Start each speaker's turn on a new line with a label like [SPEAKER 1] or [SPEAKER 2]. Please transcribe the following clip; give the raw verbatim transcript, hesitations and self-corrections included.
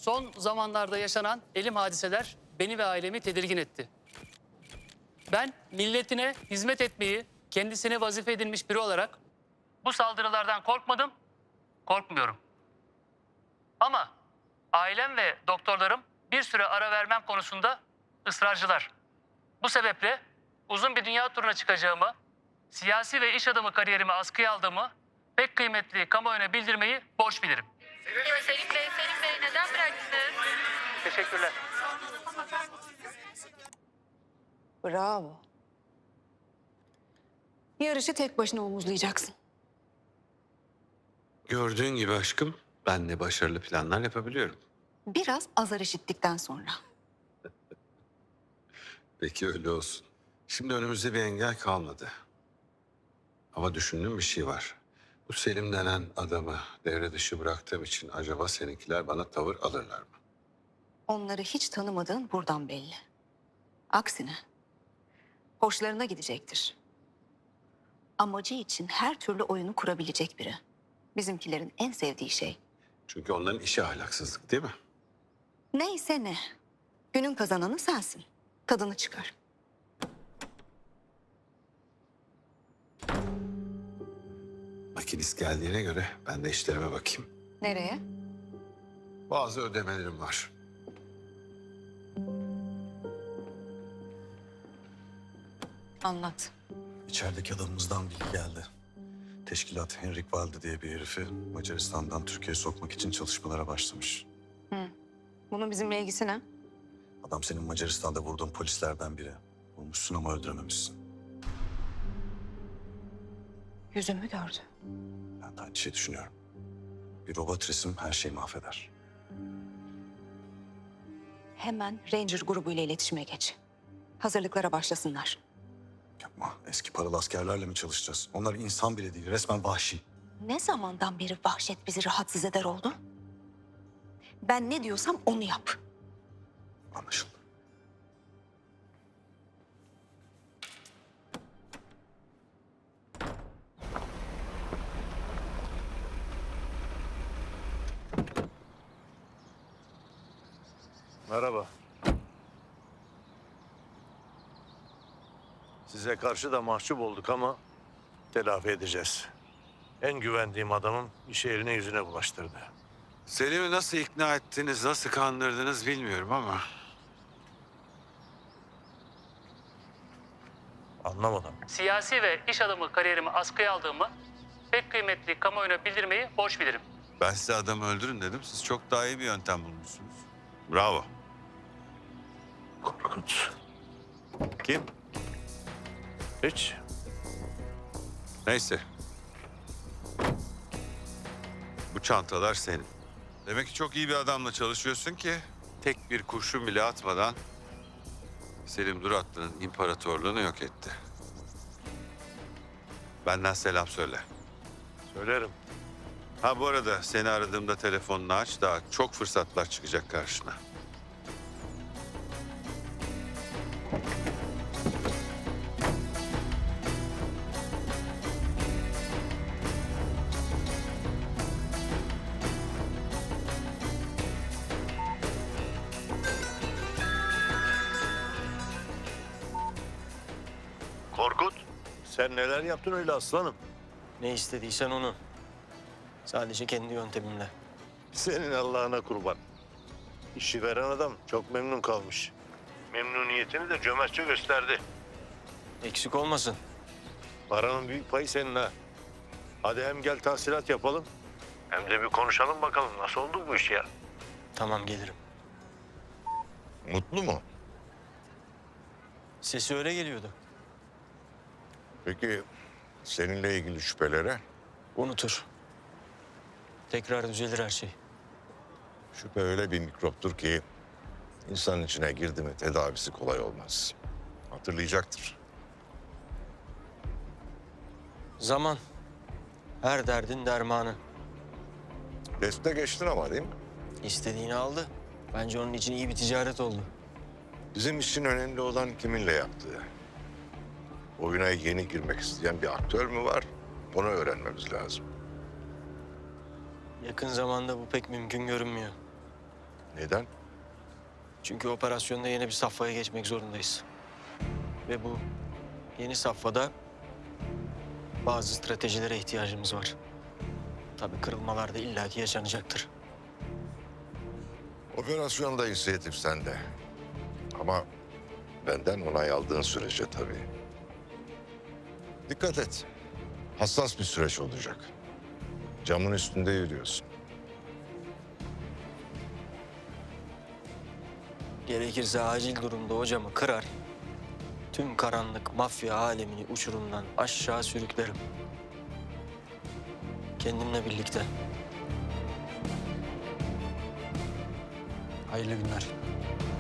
[SPEAKER 1] Son zamanlarda yaşanan elim hadiseler beni ve ailemi tedirgin etti. Ben milletine hizmet etmeyi kendisine vazife edinmiş biri olarak bu saldırılardan korkmadım, korkmuyorum. Ama ailem ve doktorlarım bir süre ara vermem konusunda ısrarcılar. Bu sebeple uzun bir dünya turuna çıkacağımı, siyasi ve iş adamı kariyerimi askıya aldığımı pek kıymetli kamuoyuna bildirmeyi borç bilirim.
[SPEAKER 2] Ya Selim Bey, Selim Bey neden bıraktınız?
[SPEAKER 1] Teşekkürler.
[SPEAKER 3] Bravo. Yarışı tek başına omuzlayacaksın.
[SPEAKER 4] Gördüğün gibi aşkım, ben de başarılı planlar yapabiliyorum.
[SPEAKER 3] Biraz azar işittikten sonra.
[SPEAKER 4] Peki öyle olsun. Şimdi önümüzde bir engel kalmadı. Ama düşündüğüm bir şey var. Bu Selim denen adamı devre dışı bıraktığım için acaba seninkiler bana tavır alırlar mı?
[SPEAKER 3] Onları hiç tanımadığın buradan belli. Aksine hoşlarına gidecektir. Amacı için her türlü oyunu kurabilecek biri. Bizimkilerin en sevdiği şey.
[SPEAKER 4] Çünkü onların işi ahlaksızlık değil mi?
[SPEAKER 3] Neyse ne. Günün kazananı sensin. Tadını çıkar.
[SPEAKER 4] Makinist geldiğine göre ben de işlerime bakayım.
[SPEAKER 3] Nereye?
[SPEAKER 4] Bazı ödemelerim var.
[SPEAKER 3] Anlat.
[SPEAKER 5] İçerideki adamımızdan bilgi geldi. Teşkilat Henrik Valde diye bir herifi Macaristan'dan Türkiye'ye sokmak için çalışmalara başlamış.
[SPEAKER 3] Bunun bizimle ilgisi ne?
[SPEAKER 5] Adam senin Macaristan'da vurduğun polislerden biri. Vurmuşsun ama öldürememişsin.
[SPEAKER 3] Yüzümü gördü.
[SPEAKER 5] Ben de aynı şeyi düşünüyorum. Bir robot resim her şeyi mahveder.
[SPEAKER 3] Hemen Ranger grubuyla iletişime geç. Hazırlıklara başlasınlar.
[SPEAKER 5] Yapma. Eski paralı askerlerle mi çalışacağız? Onlar insan bile değil. Resmen vahşi.
[SPEAKER 3] Ne zamandan beri vahşet bizi rahatsız eder oldu? Ben ne diyorsam onu yap.
[SPEAKER 5] Anlaşıldı.
[SPEAKER 6] Merhaba. Size karşı da mahcup olduk ama telafi edeceğiz. En güvendiğim adamım işi eline yüzüne bulaştırdı.
[SPEAKER 4] Selim'i nasıl ikna ettiniz, nasıl kandırdınız bilmiyorum ama...
[SPEAKER 6] Anlamadım.
[SPEAKER 1] Siyasi ve iş adamı kariyerimi askıya aldığımı pek kıymetli kamuoyuna bildirmeyi borç bilirim.
[SPEAKER 4] Ben size adamı öldürün dedim. Siz çok daha iyi bir yöntem bulmuşsunuz. Bravo.
[SPEAKER 6] Korkut. Kim? Hiç.
[SPEAKER 4] Neyse. Bu çantalar senin. Demek ki çok iyi bir adamla çalışıyorsun ki tek bir kurşun bile atmadan Selim Duratlı'nın imparatorluğunu yok etti. Benden selam söyle.
[SPEAKER 6] Söylerim.
[SPEAKER 4] Ha bu arada seni aradığımda telefonunu aç, daha çok fırsatlar çıkacak karşına.
[SPEAKER 6] Korkut. Sen neler yaptın öyle aslanım?
[SPEAKER 7] Ne istediysen onu. Sadece kendi yöntemimle.
[SPEAKER 6] Senin Allah'ına kurban. İşi veren adam çok memnun kalmış. Memnuniyetini de cömertçe gösterdi.
[SPEAKER 7] Eksik olmasın.
[SPEAKER 6] Paranın büyük payı senin ha. Hadi hem gel tahsilat yapalım. Hem de bir konuşalım bakalım nasıl oldu bu iş ya.
[SPEAKER 7] Tamam gelirim.
[SPEAKER 8] Mutlu mu?
[SPEAKER 7] Sesi öyle geliyordu.
[SPEAKER 8] Peki seninle ilgili şüphelere?
[SPEAKER 7] Unutur. Tekrar düzelir her şey.
[SPEAKER 8] Şüphe öyle bir mikroptur ki insan içine girdi mi tedavisi kolay olmaz. Hatırlayacaktır.
[SPEAKER 7] Zaman. Her derdin dermanı.
[SPEAKER 8] Teste geçtin ama değil mi?
[SPEAKER 7] İstediğini aldı. Bence onun için iyi bir ticaret oldu.
[SPEAKER 8] Bizim için önemli olan kiminle yaptığı. Oyuna yeni girmek isteyen bir aktör mü var? Onu öğrenmemiz lazım.
[SPEAKER 7] Yakın zamanda bu pek mümkün görünmüyor.
[SPEAKER 8] Neden?
[SPEAKER 7] Çünkü operasyonda yeni bir safhaya geçmek zorundayız. Ve bu yeni safhada bazı stratejilere ihtiyacımız var. Tabii kırılmalar da illaki yaşanacaktır.
[SPEAKER 8] Operasyonda inisiyatif sende. Ama benden onay aldığın sürece tabii. Dikkat et. Hassas bir süreç olacak. Camın üstünde yürüyorsun.
[SPEAKER 7] Gerekirse acil durumda o camı kırar, tüm karanlık mafya alemini uçurumdan aşağı sürüklerim. Kendimle birlikte.
[SPEAKER 1] Hayırlı günler.